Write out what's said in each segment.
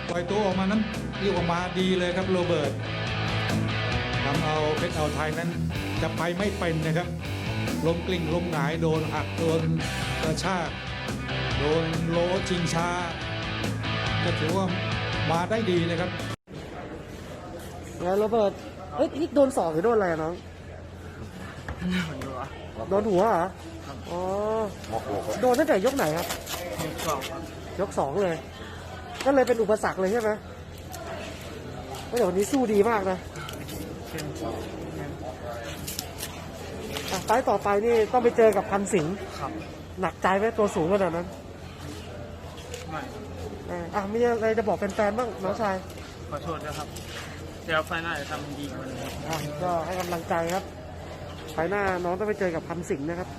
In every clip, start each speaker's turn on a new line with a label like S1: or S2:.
S1: ปล่อยตัวออกมานั้นเรียกออกมาดีเลยครับโรเบิร์ตทำเอาเพชรอ่าวไทยนั้นจะไปไม่เป็นนะครับล้มกลิ้งล้มหงายโดนหักโดนกระชากโดนโลชิงช้าก็ถือว่ามาได้ดีนะครับ
S2: แล้วโรเบิร์ตนี่โดนศอกหรือโดนอะไรน้องโดนหัวเหรออ๋อโดนตั้งแต่ยกไหนครับยก 2เลยก็เลยเป็นอุปสรรคเลยใช่ไหมแต่วันนี้สู้ดีมากนะไฟต์ต่อไปนี่ต้องไปเจอกับพันสิงห์หนักใจไหมตัวสูงขนาดนั้นไม่มีอะไรจะบอกแฟนๆบ้างน้องชาย
S3: ขอโทษนะครับเดี๋ยวไฟหน้าจะทำดีกว่านี้
S2: ก็ให้กำลังใจครับไฟหน้าน้องต้องไปเจอกับพันสิงห์นะครับ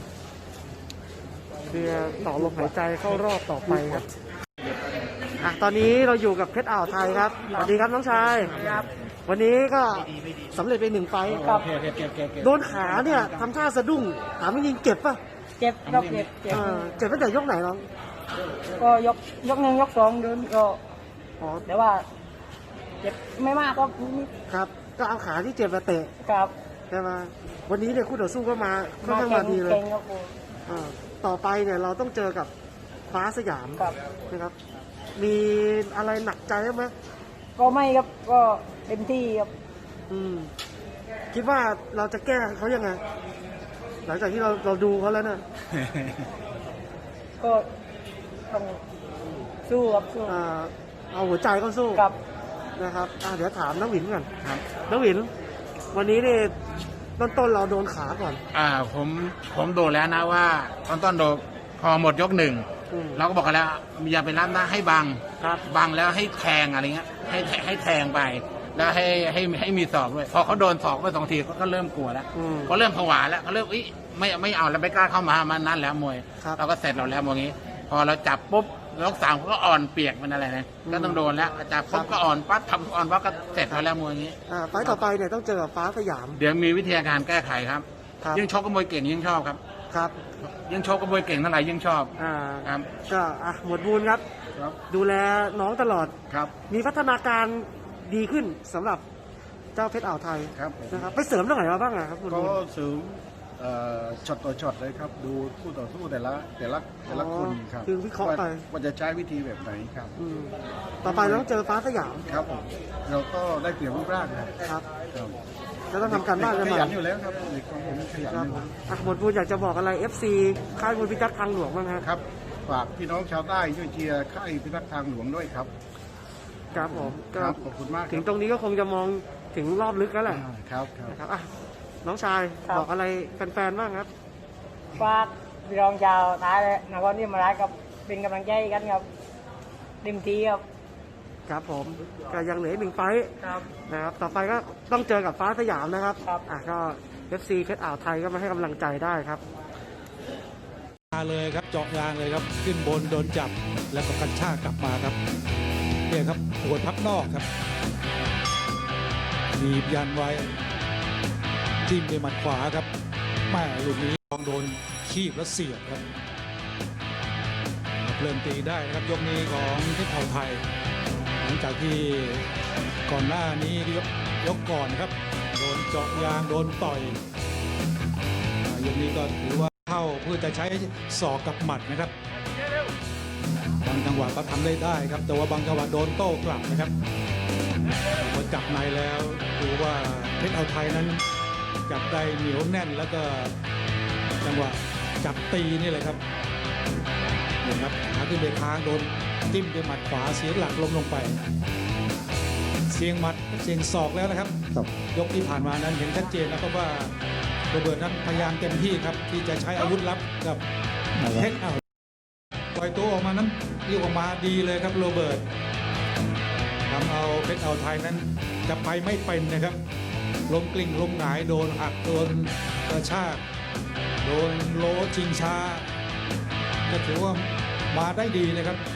S2: เพื่อต่อลมหายใจเข้ารอบต่อไปครับตอนนี้เราอยู่กับเพชรอ่าวไทยครับสวัสดีครับน้องชายครับวันนี้ก็สำเร็จไป1 ไฟต์ครับโดนขาเนี่ยทำท่าสะดุ้งขาไม่ยิงเจ็บป่ะ
S4: เจ็บครับ
S2: เจ็บตั้งแต่ยกไหนน้อง
S4: ก็ยก 1 ยก 2เดินก็แต่ว่าเจ็บไม่มาก
S2: ครับก็เอาขาที่เจ็บมาเตะ
S4: ครับ
S2: ใช่ไหมวันนี้เนี่ยคู่ต่อสู้ก็มาค่อนข้างมาดีเลยต่อไปเนี่ยเราต้องเจอกับฟ้าสยามนะครับมีอะไรหนักใจไหม
S4: ก็ไม่ครับก็เต็มที่ครับ
S2: คิดว่าเราจะแก้เขายังไงหลังจากที่เราดูเขาแล้วเนี่ย
S4: ก็ต้องสู้ครับสู้
S2: เอาหัวใจก็สู้นะครับเดี๋ยวถามน้องหวินก่อนน้องหวินวันนี้เนี่ยต้นเราโดนขาก่อน
S3: ผมโดนแล้วนะว่าต้นโดนพอหมดยก 1เราก็บอกกันแล้วอย่าไปรับนะให้บังแล้วให้แทงอะไรเงี้ยให้แทงไปแล้วให้มีศอกด้วยพอเขาโดนศอกไป2 ทีก็เริ่มกลัวแล้วเขาเริ่มผวาแล้วเขาเริ่มไม่เอาแล้วไม่กล้าเข้ามานั่นแล้วมวยเราก็เสร็จเราแล้วมวยนี้พอเราจับปุ๊บยก 3เขาก็อ่อนเปียกมันอะไรนะก็ต้องโดนแล้วจับปุ๊บก็อ่อนปั๊บทำอ่อนปั๊บก็เสร็จเราแล้วมวยนี้
S2: ไฟต์ต่อไปเนี่ยต้องเจอกับฟ้าสยาม
S3: เดี๋ยวมีวิธีการแก้ไขครับยิ่งชกกับมวยเก่งยิ่งชอบครับยิ่งชกกับมวยเก่งเท่าไหร่ยิ่งชอบ
S2: ครับก็หมวดบูญครับดูแลน้องตลอด
S3: ครับ
S2: มีพัฒนาการดีขึ้นสำหรับเจ้าเพชรอ่าวไทยนะครับไปเสริมตรงไหนมาบ้างครับ
S5: ก็เสริมช็อตต่อช็อตเลยครับดูคู่ต่อสู้แต่ละคนครับ
S2: คือวิเคราะห์ไป
S5: ว่าจะใช้วิธีแบบไหนครับ
S2: ต่อไปต้องเจอฟ้าสยาม
S5: ครับผมเราก็ได้เปรียบรูปร่าง
S2: ครับแล้วต้องทำการบ้านกันหน่อย
S5: ขยันอยู่แล้วครับเด็กของผมขยัน
S2: หมดบูญอยากจะบอกอะไร FC ค่ายมวยพิทักษ์ทางหลวงบ้าง
S5: ครับฝากพี่น้องชาวใต้ช่วยเชียร์ค่ายพิทักษ์ทางหลวงด้วยครับ
S2: ครับผม
S5: ขอบคุณมาก
S2: ถึงตรงนี้ก็คงจะมองถึงรอบลึกแล้วแหละ
S5: ครับ
S2: น้องชายบอกอะไรแฟนๆบ้างครับ
S4: ฝากพี่รองชาวท้ายเลยนครนี่มาได้กับเป็นกำลังใจกันครับเต็มที่
S2: ครับผมก็ยังเหลือ1 ไฟต์นะครับต่อไปก็ต้องเจอกับฟ้าสยามนะครับก็FC เพชรอ่าวไทยก็มาให้กำลังใจได้ครับ
S1: มาเลยครับเจาะยางเลยครับขึ้นบนโดนจับแล้วก็กระชากกลับมาครับเนี่ยครับหัวทับนอกครับบีบยันไว้จิ้มด้วยหมัดขวาครับแม่ลูกนี้ลองโดนคีบแล้วเสียบครับเริ่มตีได้นะครับยกนี้ของเพชรอ่าวไทยหลังจากที่ก่อนหน้านี้ยกก่อนครับโดนเจาะยางโดนต่อยยกนี้ก็ถือว่าเข้าเพื่อจะใช้ศอกกับหมัดนะครับบางจังหวะก็ทำได้ครับแต่ว่าบางจังหวะโดนโต้กลับนะครับพอจับในแล้วดูว่าเพชรอ่าวไทยนั้นจับได้เหนียวแน่นแล้วก็จังหวะจับตีนี่เลยครับนี่ครับขาขึ้นไปค้างโดนจิ้มด้วยหมัดขวาเสียหลักล้มลงไปเสียงหมัดเสียงศอกแล้วนะครับยกที่ผ่านมานั้นเห็นชัดเจนแล้วก็ว่าโรเบิร์ตนั้นพยายามเต็มที่ครับที่จะใช้อาวุธลับกับเพชรอ่าวปล่อยตัวออกมานั้นเรียกออกมาดีเลยครับโรเบิร์ตทำเอาเพชรอ่าวไทยนั้นจะไปไม่เป็นนะครับล้มกลิ้งล้มหงายโดนหักโดนกระชากโดนโลชิงช้าก็ถือว่ามาได้ดีนะครับ